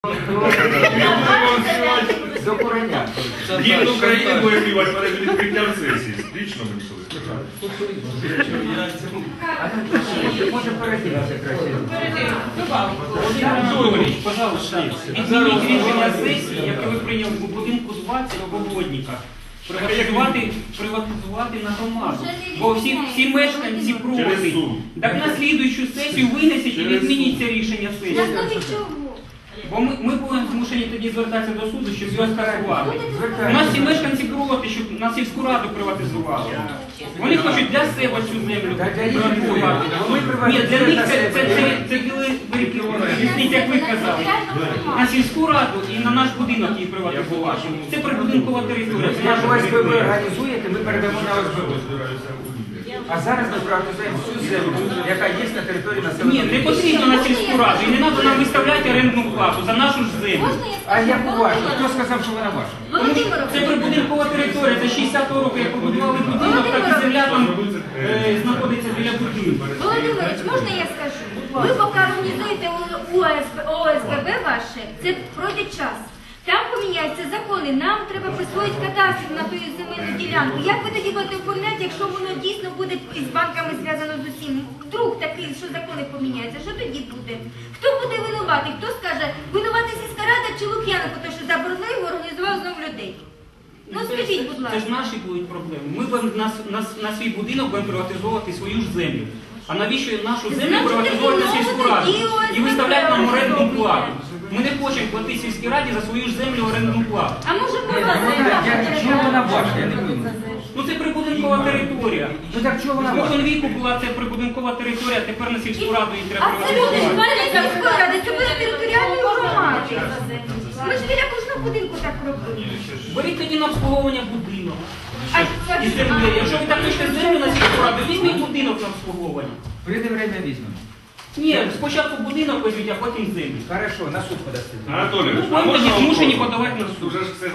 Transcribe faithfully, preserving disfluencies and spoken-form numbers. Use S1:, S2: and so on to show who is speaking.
S1: До кореня.
S2: Гімн України буде співати перед відкриттям сесії. Лічно мені колись.
S1: Може перекинути краще.
S3: Анатолійович, пожалуйста, відмініть рішення сесії, яке ви прийняли у будинку двадцять в Обводниках. Приватизувати, приватизувати на громаду. Бо всі, всі мешканці проти. Так на слідуючу сесію винесіть і відмініть це рішення сесії. Бо ми, ми будемо змушені тоді звертатися до суду, щоб його скасувати. У нас всі мешканці проти, щоб на сільську раду приватизували. Вони хочуть для себе цю землю приватизувати. Ні, для них це, це, це, це різниця, як ви казали. На сільську раду і на наш будинок її приватизувати. Це прибудинкова територія. Це
S1: Як
S3: наша
S1: ОСББ
S3: територія.
S1: організуєте, ми передамо на ОСББ. А зараз ми приватизуємо всю землю, яка є на території населеного
S3: Ні, не потрібно на сільську раду. І не треба нам виставляти орендну плату за нашу ж землю.
S1: А як ваша? Хто сказав, що вона ваша?
S3: Тому що це прибудинкова територія, це шістдесятого року, як побудували будинок, так і земля там е, знаходиться біля будинку.
S4: Володимирович, можна я скажу? Ви поки організуєте ОСББ ваше, це пройде час. Там поміняються закони, нам треба присвоїти кадастр на ту земельну ділянку. Як ви тоді будете оформляти, якщо воно дійсно буде із банками зв'язано з усім? Вдруг такий, що закони поміняються, що тоді буде? Хто буде винуватий? Хто скаже, винуватий сільська рада чи Лук'яненко, тому що заборонив, організував знову людей? Ну скажіть, будь
S3: Це
S4: ласка.
S3: ж наші будуть проблеми. Ми будемо на, на, на свій будинок будемо приватизовувати свою ж землю. А навіщо нашу землю
S4: Значить,
S3: приватизовувати на
S4: тоді
S3: сільську
S4: знову
S3: раду?
S4: тоді ОСББ
S3: І виставляти нам орендну
S4: робить.
S3: плату. Ми не хочемо платити сільській раді за свою ж землю орендну плату.
S4: А може
S1: Ні,
S4: про вас
S1: вона- я- чого вона ваша? Я не пойму.
S3: Ну це прибудинкова територія.
S1: Ну так чого вона ваша?
S3: Спокон віку була це прибудинкова територія, а тепер на сільську раду її треба
S4: А це люди ж
S3: приватизувати.
S4: мають сільської ради, це буде територіальної громади. Ми ж біля кожного будинку так робимо.
S3: Беріть тоді на обслуговування будинок.
S4: А
S3: І землі. Якщо ви так хочете землю на сільську раду, візьміть будинок на обслуговування.
S1: Прийде время візьмемо.
S3: Ні, спочатку будинок візьміть, а потім землю.
S1: Хорошо, на суд подасти.
S2: Анатолійович,
S3: Ну,
S2: а
S3: ви
S2: можна
S3: тоді змушені
S2: вопрос?
S3: подавати на суд.
S2: Уже ж все